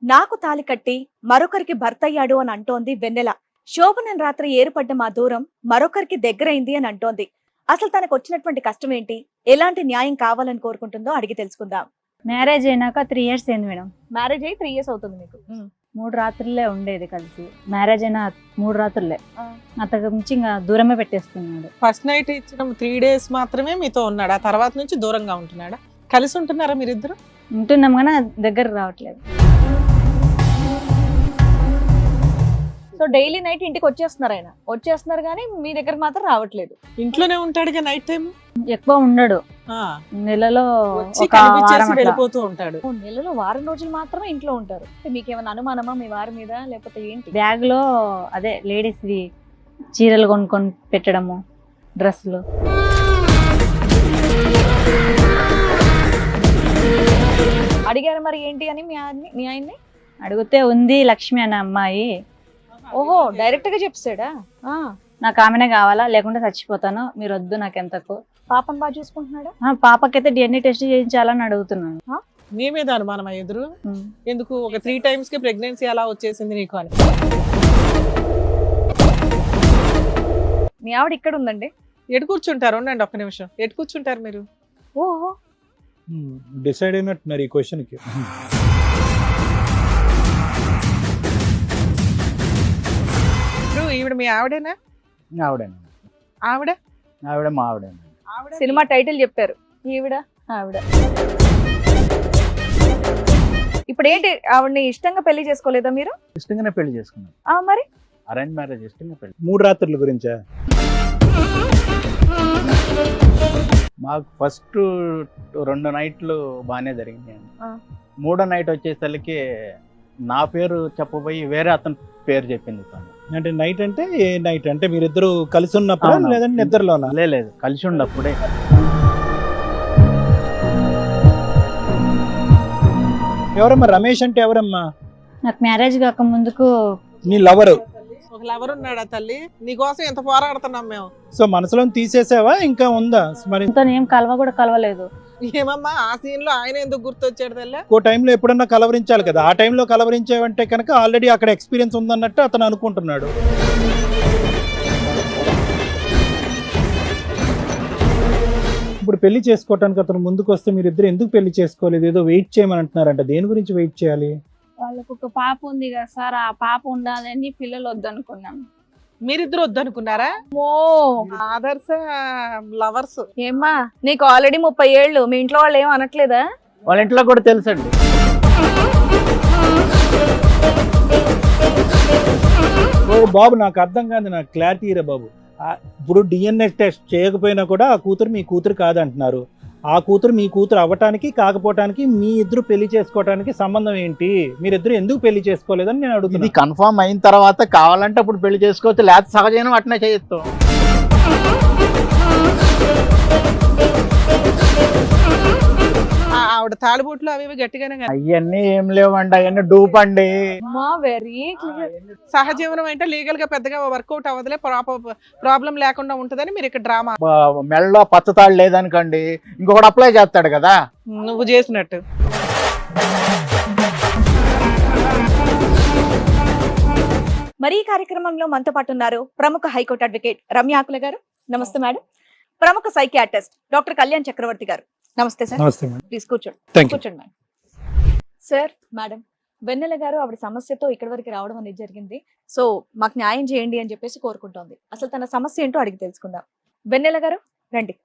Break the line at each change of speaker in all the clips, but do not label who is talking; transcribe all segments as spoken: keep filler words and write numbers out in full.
నాకు తాలి కట్టి మరొకరికి భర్తయ్యాడు అని అంటోంది వెన్నెల. శోభనం రాత్రి ఏర్పడ్డ మా దూరం మరొకరికి దగ్గరైంది అని అంటోంది. అసలు తనకు వచ్చినటువంటి కష్టం ఏంటి, ఎలాంటి న్యాయం కావాలని కోరుకుంటుందో అడిగి తెలుసుకుందాం.
మ్యారేజ్ అయినాక త్రీ ఇయర్స్ అయింది మేడం.
మ్యారేజ్ అయ్యి త్రీ ఇయర్స్ అవుతుంది మీకు.
మూడు రాత్రులే ఉండేది కలిసి. మ్యారేజ్ అయిన మూడు రాత్రులే అంతకు మించి ఇంకా దూరమే పెట్టేసుకున్నాడు.
ఫస్ట్ నైట్ ఇచ్చిన త్రీ డేస్ మాత్రమే మీతో ఉన్నాడు, ఆ తర్వాత నుంచి దూరంగా ఉంటున్నాడా? కలిసి ఉంటున్నారా మీరిద్దరు?
ఉంటున్నాం కానీ దగ్గర రావట్లేదు.
సో డైలీ నైట్ ఇంటికి వచ్చేస్తున్నారు, ఆయన వచ్చేస్తున్నారు కానీ మీ దగ్గర మాత్రం రావట్లేదు.
ఇంట్లోనే ఉంటాడుగా నైట్ టైం?
ఎక్కువ ఉండడు, నెలలో ఒక వారం అట్లా.
వెళ్ళిపోతూ ఉంటాడు.
ఓ, నెలలో వారం రోజులు మాత్రమే ఇంట్లో ఉంటారు. మీకేమైనా అనుమానమా మీ వారి మీద, లేకపోతే ఏంటి?
బ్యాగ్ లో అదే లేడీస్ వి చీరలు కొనుక్కొని పెట్టడము, డ్రెస్సులు.
అడిగారు మరి ఏంటి అని మీ ఆయన్ని మీ ఆయన్ని
అడిగితే ఉంది లక్ష్మి అనే అమ్మాయి.
ఓహో, డైరెక్ట్ గా చెప్పాడా?
నాకు ఆమెనే కావాలా, లేకుంటే చచ్చిపోతాను, మీరు వద్దు నాకు ఎంతకు.
పాపం బాగా చూసుకుంటున్నాడా?
పాపకైతే డిఎన్ఏ టెస్ట్ చేయించాలని అడుగుతున్నాను.
నీ మీద అనుమానం ఎదురు ఎందుకు? ఒక త్రీ టైమ్స్ కి ప్రెగ్నెన్సీ అలా వచ్చేసింది నీకు అని.
మీ ఆవిడ ఇక్కడ ఉందండి.
ఎటు కూర్చుంటారు? ఉండండి ఒక్క నిమిషం. ఎటు కూర్చుంటారు మీరు?
ఓహో,
డిసైడ్ అయినట్టున్నారు ఈ క్వశ్చన్ కి.
ఇప్పుడు ఈవిడ మీ ఆవిడేనా?
ఆవిడేనా?
ఆవిడ
ఆవిడ మా ఆవిడ.
సినిమా టైటిల్ చెప్పారు, ఈవిడ ఆవిడ. ఇప్పుడు ఏంటి, ఆవిడని ఇష్టంగా పెళ్లి చేసుకోలేదా మీరు?
ఇష్టంగానే పెళ్లి చేసుకున్నాం.
ఆ మరి
అరేంజ్ మ్యారేజ్ ఇష్టంగా పెళ్లి. మూడు రాత్రుల గురించా? మాకు ఫస్ట్ రెండు నైట్లు బాగానే జరిగింది. మూడో నైట్ వచ్చేసరికి నా పేరు చెప్పబోయి వేరే అతని పేరు చెప్పింది తను.
అంటే నైట్ అంటే ఏ నైట్ అంటే మీరిద్దరు కలిసి ఉన్నప్పుడు లేదంటే నిద్రలోనా?
లేదు, కలిసి ఉన్నప్పుడే.
ఎవరమ్మా రమేష్ అంటే? ఎవరమ్మా?
నాకు మ్యారేజ్ కాక ముందుకు
నీ లవరు.
ఒక లవర్ ఉన్నాడా తల్లి? నీకోసం ఎంత పోరాడుతున్నాం మేము.
సో మనసులో తీసేసావా, ఇంకా ఉందా మరి?
ఏం కలవ కూడా కలవలేదు.
ఏమమ్మా ఆ సీన్ లో ఆయన ఎందుకు గుర్తొచ్చాడు తల్లి?
ఓ టైంలో ఎప్పుడన్నా కలవరించాలి కదా, ఆ టైంలో కలవరించావంటే కనుక ఆల్రెడీ అక్కడ ఎక్స్పీరియన్స్ ఉందన్నట్టు అతను అనుకుంటున్నాడు. ఇప్పుడు పెళ్లి చేసుకోవటానికి అతను ముందుకు వస్తే మీరిద్దరు ఎందుకు పెళ్లి చేసుకోలేదు? ఏదో వెయిట్ చేయమని అంటున్నారంట. దేని గురించి వెయిట్ చేయాలి?
వాళ్ళకు ఒక పాప ఉంది కదా సార్, ఆ పాప ఉండాలని పిల్లలు వద్దనుకున్నాం.
మీరిద్దరు వద్దనుకున్నారా?
ఓ
ఆదర్శ లవర్స్.
ఏమ్మా, నీకు ఆల్రెడీ ముప్పై ఏళ్ళు, మీ ఇంట్లో వాళ్ళు ఏం అనట్లేదా?
వాళ్ళ ఇంట్లో కూడా తెలుసండి.
ఓ బాబు, నాకు అర్థం కాదు, నాకు క్లారిటీ రా బాబు. ఇప్పుడు డిఎన్ఏ టెస్ట్ చేయకపోయినా కూడా ఆ కూతురు మీ కూతురు కాదంటున్నారు. ఆ కూతురు మీ కూతురు అవ్వటానికి కాకపోవటానికి మీ ఇద్దరు పెళ్లి చేసుకోవటానికి సంబంధం ఏంటి? మీరిద్దరు ఎందుకు పెళ్లి చేసుకోలేదని నేను అడుగుతుంది.
ఇది కన్ఫర్మ్ అయిన తర్వాత కావాలంటే అప్పుడు పెళ్లి చేసుకోవచ్చు, లేకపోతే సహజనం అట్నే చేయొచ్చు.
ఆవిడ తాళిబొట్లు అవి ఇవి గట్టిగానే కదా.
అవన్నీ ఏం లేవండి, అవన్నీ డూప్ అండి.
Very clear.
సహజీవనం అంటే లీగల్ గా పెద్దగా వర్కౌట్ అవ్వదులే, ప్రాబ్లం లేకుండా ఉంటదని మీరు ఇక్కడ డ్రామా.
మెడలో పచ్చతాడు లేదనుకోండి, ఇంకొకటి అప్లై చేస్తాడు కదా.
నువ్వు చేసినట్టు.
మరి ఈ కార్యక్రమంలో మనతో పాటు ఉన్నారు ప్రముఖ హైకోర్టు అడ్వకేట్ రమ్య ఆకుల గారు. నమస్తే మేడం. ప్రముఖ సైకియాట్రిస్ట్ డాక్టర్ కళ్యాణ్ చక్రవర్తి గారు. నమస్తే సార్.
నమస్తే మేడం.
ప్లీజ్ కూర్చోండి.
Thank you.
కూర్చోండి madam. Sir, madam, Vennela garu ఆవిడ సమస్యతో ఇక్కడి వరకు రావడం అనేది జరిగింది. సో మాకు న్యాయం చేయండి అని చెప్పేసి కోరుకుంటోంది. అసలు తన సమస్య ఏంటో అడిగి తెలుసుకుందాం. వెన్నెల గారు రండి.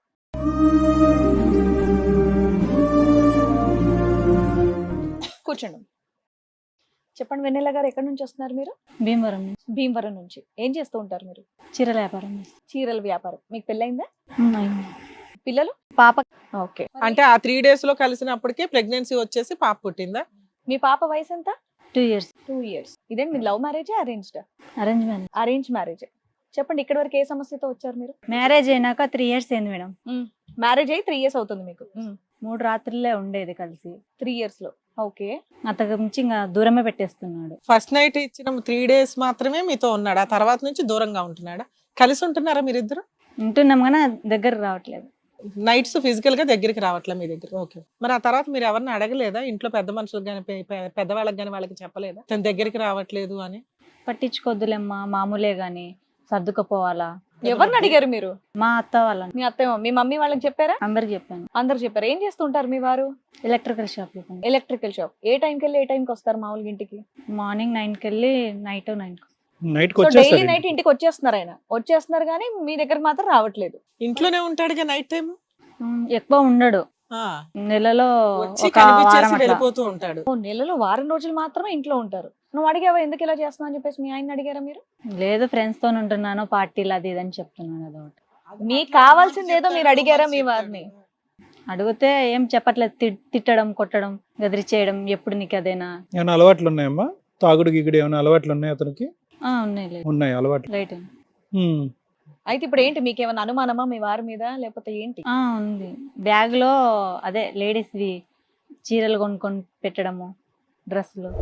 కూర్చోండి. చెప్పండి వెన్నెల గారు, ఎక్కడి నుంచి వస్తున్నారు మీరు?
భీమవరం నుంచి.
భీమవరం నుంచి. ఏం చేస్తూ ఉంటారు మీరు?
చీరల వ్యాపారం చేస్తాం.
చీరల వ్యాపారం. మీకు పెళ్ళైందా?
అయింది.
పిల్లలు?
పాప
ఓకే.
అంటే ఆ త్రీ డేస్ లో కలిసినప్పటికే ప్రెగ్నెన్సీ వచ్చేసి పాప పుట్టిందా?
మీ పాప వయసు ఎంత?
Two years.
Two years. ఇదేంటి మీ love marriage arranged?
Arrange marriage.
Arrange marriage. చెప్పండి, ఇక్కడి వరకు ఏ సమస్యతో వచ్చారు మీరు?
మ్యారేజ్ అయినాక త్రీ ఇయర్స్ అయింది మేడం.
మ్యారేజ్ అయ్యి త్రీ ఇయర్స్ అవుతుంది మీకు.
మూడు రాత్రులే ఉండేది కలిసి.
త్రీ ఇయర్స్ లో. ఓకే.
అంతకు మించి ఇంకా దూరమే పెట్టేస్తున్నాడు.
ఫస్ట్ నైట్ ఇచ్చిన త్రీ డేస్ మాత్రమే మీతో ఉన్నాడు, ఆ తర్వాత నుంచి దూరంగా ఉంటున్నాడా? కలిసి ఉంటున్నారా మీరిద్దరు?
ఉంటున్నాం కానీ దగ్గర రావట్లేదు.
నైట్స్ ఫిజికల్ గా దగ్గరికి రావట్లే మీ దగ్గర. ఓకే, మరి ఆ తర్వాత మీరు ఎవరిని అడగలేదా ఇంట్లో పెద్ద మనుషులకు కానీ పెద్దవాళ్ళకి కానీ వాళ్ళకి చెప్పలేదా తన దగ్గరికి రావట్లేదు అని?
పట్టించుకోద్దులేమ్మా, మామూలే గాని సర్దుకుపోవాలా.
ఎవరిని అడిగారు మీరు?
మా అత్త వాళ్ళని
మీ అత్తయ్య మీ మమ్మీ వాళ్ళకి చెప్పారా?
అందరికి చెప్పాను.
అందరు చెప్పారు. ఏం చేస్తుంటారు మీ వారు?
ఎలక్ట్రికల్ షాప్ లో పని.
Electrical shop. ఏ టైంకి వెళ్ళి ఏ టైంకి వస్తారు మామూలుగా ఇంటికి?
మార్నింగ్ నైన్ కి వెళ్ళి నైట్ నైన్ కి.
నైట్
సో డైలీ
వచ్చేస్తారు
నైట్ ఇంటికి వచ్చేస్తున్నారు ఆయన, వచ్చేస్తున్నారు కానీ మీ దగ్గర మాత్రం రావట్లేదు.
ఇంట్లోనే ఉంటాడుగా నైట్ టైం,
ఉమ్, ఎక్కువ ఉండడు, నెలలో
వచ్చి
ఒక వారం
కనిపించేసి
అట్లా.
వెళ్ళిపోతూ ఉంటాడు.
ఓ నెలలో వారం రోజులు మాత్రమే ఇంట్లో ఉంటారు. నువ్వు అడిగావా ఎందుకు ఇలా చేస్తున్నావు అని చెప్పేసి? మీ ఆయన అడిగారా మీరు?
లేదు, ఫ్రెండ్స్ తో ఉంటున్నాను, పార్టీలు అది ఇది అని చెప్తున్నాను. అదొకటి.
మీకు కావాల్సింది ఏదో మీరు అడిగారా మీ వారిని?
అడిగితే ఏం చెప్పట్లేదు, తి- తిట్టడం, కొట్టడం, గదిరి చేయడం. ఎప్పుడు నీకు అదేనా?
ఏమైనా అలవాట్లు ఉన్నాయమ్మా? తాగుడు గిగుడు ఏమైనా అలవాట్లు ఉన్నాయి అతనికి?
ఆ, ఉన్నాయి, లేదు,
ఉన్నాయి అలవాట్లు.
రైట్.
ఉమ్.
అయితే ఇప్పుడు ఏంటి, మీకు ఏమైనా అనుమానమా మీ వారి మీద, లేకపోతే ఏంటి?
ఆ, ఉంది. బ్యాగ్ లో అదే లేడీస్ వి చీరలు కొనుక్కొని పెట్టడము, డ్రెస్సులు.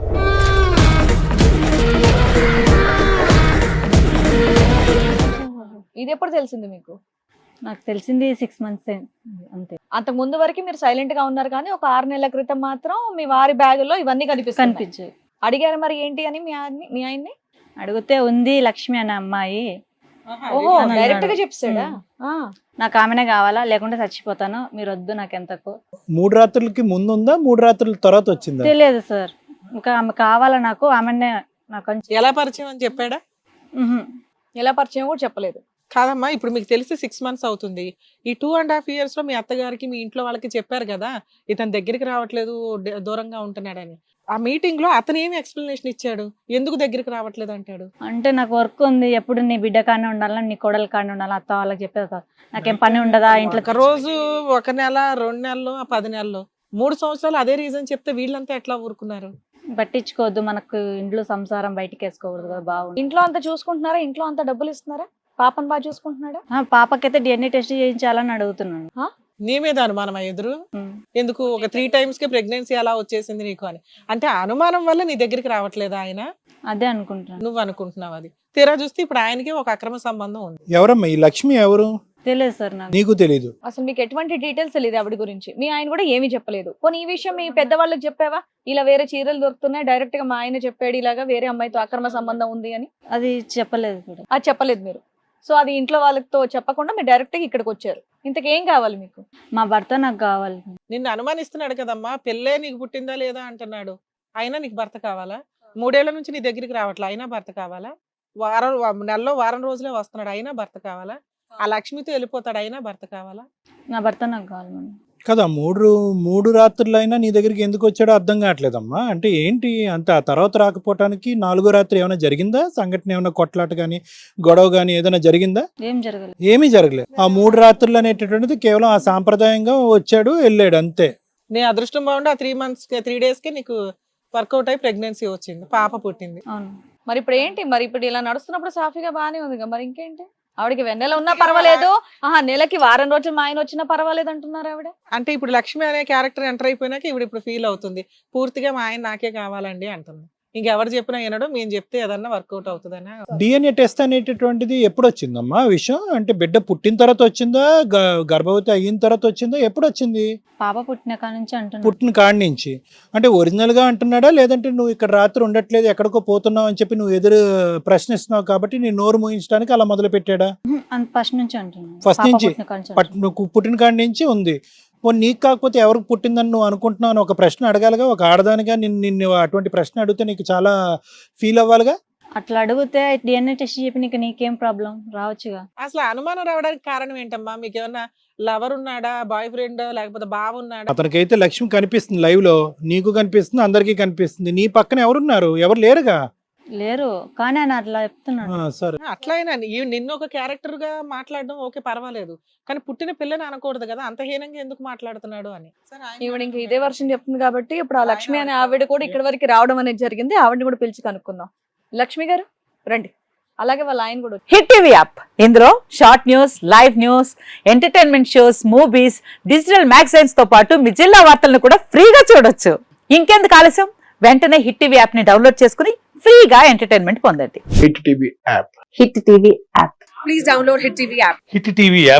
ఇది ఎప్పుడు తెలిసింది మీకు?
నాకు తెలిసింది సిక్స్ మంత్స్ అంతే.
అంతకు ముందు వరకు మీరు సైలెంట్ గా ఉన్నారు, కానీ ఒక ఆరు నెలల క్రితం మాత్రం మీ వారి బ్యాగ్ లో ఇవన్నీ కనిపిస్తాయి.
కనిపించాయి.
అడిగారు మరి ఏంటి అని మీ ఆయన్ని మీ ఆయన్ని?
అడిగితే ఉంది లక్ష్మి అనే అమ్మాయి,
ఓహో,
అని
డైరెక్ట్ గా
అన్నాడు.
చెప్పాడా? ఆ.
నాకు ఆమెనే కావాలా, లేకుంటే చచ్చిపోతాను, మీరు వద్దు నాకు ఎంతకు.
మూడు రాత్రులకి ముందు ఉందా, మూడు రాత్రుల తర్వాత వచ్చిందా?
తెలియదు సార్, ఇంకా ఆమె కావాలా నాకు, ఆమెనే నాకు అని
ఎలా పరిచయం అని చెప్పాడా?
ఉహు.
ఎలా పరిచయం కూడా చెప్పలేదు.
కాదమ్మా, ఇప్పుడు మీకు తెలిసి సిక్స్ మంత్స్ అవుతుంది. ఈ టూ అండ్ హాఫ్ ఇయర్స్ లో మీ అత్తగారికి మీ ఇంట్లో వాళ్ళకి చెప్పారు కదా ఇతని దగ్గరికి రావట్లేదు, ద- దూరంగా ఉంటున్నాడని. ఆ మీటింగ్ లో అతను ఏమి ఎక్స్ప్లెనేషన్ ఇచ్చాడు, ఎందుకు దగ్గరికి రావట్లేదు అంటాడు?
అంటే నాకు వర్క్ ఉంది, ఎప్పుడు నీ బిడ్డ కానే ఉండాలా, నీ కొడలు కానే ఉండాలా, అత్త వాళ్ళకి చెప్పేది. నాకేం పని ఉండదా ఇంట్లో?
ఒక రోజు, ఒక నెల, రెండు నెలలు, ఆ పది నెలలు, మూడు సంవత్సరాలు అదే రీజన్ చెప్తే వీళ్ళంతా ఎట్లా ఊరుకున్నారు?
పట్టించుకోవద్దు, మనకు ఇంట్లో సంసారం బయటికి వేసుకోకూడదు కదా, బాగుంది.
ఇంట్లో అంతా చూసుకుంటున్నారా? ఇంట్లో అంతా డబ్బులు ఇస్తున్నారా? పాపను బాగా చూసుకుంటున్నాడా?
ఆ, పాపకైతే డిఎన్ఏ టెస్ట్ చేయించాలని అడుగుతున్నాను.
నీ మీద అనుమానం ఎదురు
ఉమ్.
ఎందుకు? ఒక త్రీ టైమ్స్ కి ప్రెగ్నెన్సీ అలా వచ్చేసింది నీకు అని అంటే ఆ అనుమానం వల్ల నీ దగ్గరికి రావట్లేదా ఆయన?
అదే అనుకుంటున్నాను.
నువ్వు అనుకుంటున్నావు అది. తీరా చూస్తే ఇప్పుడు ఆయనకి ఒక అక్రమ సంబంధం ఉంది.
ఎవరమ్మా ఈ లక్ష్మి? ఎవరు?
తెలియదు సార్ నాకు.
నీకు తెలీదు?
అసలు మీకు ఎటువంటి డీటెయిల్స్ తెలియదు ఆవిడ గురించి? మీ ఆయన కూడా ఏమీ చెప్పలేదు. పోనీ ఈ విషయం మీ పెద్దవాళ్ళకి చెప్పావా? ఇలా వేరే చీరలు దొరుకుతున్నాయి, డైరెక్ట్ గా మా ఆయన చెప్పాడు ఇలాగా వేరే అమ్మాయితో అక్రమ సంబంధం ఉంది అని.
అది చెప్పలేదు కూడా.
అది చెప్పలేదు మీరు. సో అది ఇంట్లో వాళ్ళతో చెప్పకుండా మీరు డైరెక్ట్ గా ఇక్కడికి వచ్చారు. ఇంతకేం కావాలి మీకు?
మా భర్త నాకు కావాలి.
నిన్ను అనుమానిస్తున్నాడు కదమ్మా, పెళ్ళే నీకు పుట్టిందా లేదా అంటున్నాడు. అయినా నీకు భర్త కావాలా? మూడేళ్ల నుంచి నీ దగ్గరికి రావట్లే, అయినా భర్త కావాలా? వారం నెలలో వారం రోజులే వస్తున్నాడు, అయినా భర్త కావాలా? ఆ లక్ష్మితో వెళ్ళిపోతాడు, అయినా భర్త కావాలా?
నా భర్త నాకు కావాలి మేడం.
కదా, మూడు మూడు రాత్రులు అయినా నీ దగ్గరికి ఎందుకు వచ్చాడో అర్థం కావట్లేదమ్మా. అంటే ఏంటి అంత ఆ తర్వాత రాకపోవటానికి? నాలుగో రాత్రి ఏమైనా జరిగిందా సంఘటన? ఏమైనా కొట్లాట కానీ గొడవ కానీ ఏదైనా జరిగిందా?
ఏం జరగలేదు.
ఏమీ జరగలేదు. ఆ మూడు రాత్రులు అనేటటువంటిది కేవలం ఆ సాంప్రదాయంగా వచ్చాడు వెళ్ళాడు అంతే.
నీ అదృష్టం బాగుండి ఆ త్రీ మంత్స్ త్రీ డేస్ కి నీకు వర్కౌట్ అయి ప్రెగ్నెన్సీ వచ్చింది, పాప పుట్టింది.
అవును.
మరి ఇప్పుడు ఏంటి? మరి ఇప్పుడు ఇలా నడుస్తున్నప్పుడు సాఫీగా బాగానే ఉంది కదా, మరి ఇంకేంటి? ఆవిడకి వెన్నెల ఉన్నా పర్వాలేదు, ఆహా నెలకి వారం రోజులు మా ఆయన వచ్చినా పర్వాలేదు అంటున్నారు ఆవిడ.
అంటే ఇప్పుడు లక్ష్మి అనే క్యారెక్టర్ ఎంటర్ అయిపోయినాక ఇప్పుడు ఇప్పుడు ఫీల్ అవుతుంది పూర్తిగా మా ఆయన నాకే కావాలండి అంటుంది. ఇంకెవరు చెప్పినా వినడు, మేము చెప్తే ఏదన్నా వర్కౌట్ అవుతుందనా?
డిఎన్ఏ టెస్ట్ అనేటటువంటిది ఎప్పుడు వచ్చిందమ్మా ఆ విషయం? అంటే బిడ్డ పుట్టిన తర్వాత వచ్చిందా, గ- గర్భవతి అయిన తర్వాత వచ్చిందా, ఎప్పుడు వచ్చింది?
పాప పుట్టిన కాడ నుంచి అంటున్నాను.
పుట్టిన కాడి నుంచి. అంటే ఒరిజినల్ గా అంటున్నాడా, లేదంటే నువ్వు ఇక్కడ రాత్రి ఉండట్లేదు ఎక్కడికో పోతున్నావు అని చెప్పి నువ్వు ఎదురు ప్రశ్నిస్తున్నావు కాబట్టి నీ నోరు మూయించడానికి అలా మొదలు పెట్టాడా?
ఫస్ట్ నుంచి అంటున్నాను.
First
పాప
నుంచి?
పుట్టిన కాడ నుంచి
పట్ నువ్వు పుట్టిన కాడి నుంచి ఉంది. పోనీ నీకు కాకపోతే ఎవరికి పుట్టిందని నువ్వు అనుకుంటున్నావు అని ఒక ప్రశ్న అడగాలిగా. ఒక ఆడదానిగా నిన్ను నిన్ను అటువంటి ప్రశ్న అడిగితే నీకు చాలా ఫీల్ అవ్వాలిగా.
అట్లా అడిగితే డిఎన్ఏ టెస్ట్ చెప్పి నీకు నీకేం ప్రాబ్లం రావచ్చుగా.
అసలు అనుమానం రావడానికి కారణం ఏంటమ్మా? మీకు ఏమన్నా లవర్ ఉన్నాడా, బాయ్ ఫ్రెండ్, లేకపోతే బావ ఉన్నాడా?
అతనికైతే లక్ష్మి కనిపిస్తుంది లైవ్ లో, నీకు కనిపిస్తుంది, అందరికీ కనిపిస్తుంది. నీ పక్కన ఎవరున్నారు? ఎవరు లేరుగా.
లేరు, కానీ ఆయన అట్లా చెప్తున్నాడు.
ఆ, సరే.
అట్లయినా ఈ- నిన్ను ఒక క్యారెక్టర్ గా మాట్లాడడం ఓకే పర్వాలేదు, కానీ పుట్టిన పిల్లని అనకూడదు కదా, అంత హీనంగా ఎందుకు మాట్లాడుతున్నాడు అని.
ఈవిడ ఇంకా ఇదే వర్షం చెప్తుంది కాబట్టి ఇప్పుడు ఆ లక్ష్మి అనే ఆవిడ కూడా ఇక్కడ వరకు రావడం అనేది జరిగింది. ఆవిడని కూడా పిలిచి కనుక్కుందాం. లక్ష్మి గారు రండి. అలాగే వాళ్ళ ఆయన కూడా వచ్చి-
హిట్ టీవీ యాప్, ఇందులో short news, live news, entertainment shows, movies, digital magazines తో పాటు మీ జిల్లా వార్తలను కూడా ఫ్రీగా చూడొచ్చు. ఇంకెందుకు ఆలస్యం, వెంటనే హిట్ టీవీ యాప్ ని డౌన్లోడ్ చేసుకుని ఫ్రీగా ఎంటర్టైన్మెంట్ పొందండి.
Hit TV app
Hit TV app.
Hit TV app ని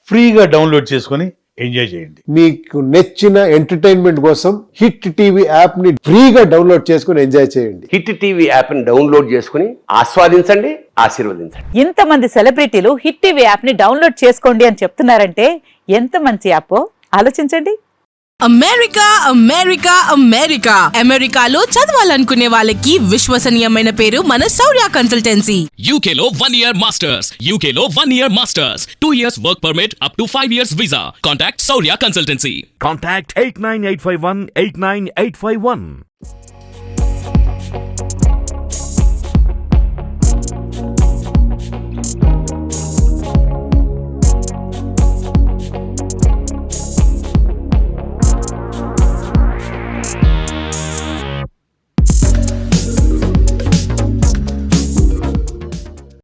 ఫ్రీగా డౌన్లోడ్ చేసుకొని ఎంజాయ్ చేయండి.
మీకు నచ్చిన ఎంటర్టైన్మెంట్ కోసం హిట్ టీవీ యాప్ ని ఫ్రీగా డౌన్లోడ్ చేసుకుని ఎంజాయ్ చేయండి.
హిట్ టీవీ యాప్ ని డౌన్లోడ్ చేసుకుని ఆస్వాదించండి, ఆశీర్వదించండి.
ఇంతమంది సెలబ్రిటీలు హిట్ టీవీ యాప్ ని డౌన్లోడ్ చేసుకోండి అని చెప్తున్నారంటే ఎంత మంచి యాప్ ఆలోచించండి.
అమెరికా అమెరికా అమెరికా అమెరికాలో చదవాలనుకునే వాళ్ళకి విశ్వసనీయమైన పేరు మన శౌర్య కన్సల్టెన్సీ.
యూకేలో వన్ ఇయర్ మాస్టర్స్ యూకేలో one year masters two years work permit up to five years visa. Contact Shaurya consultancy.
Contact eight nine eight five one eight nine eight five one.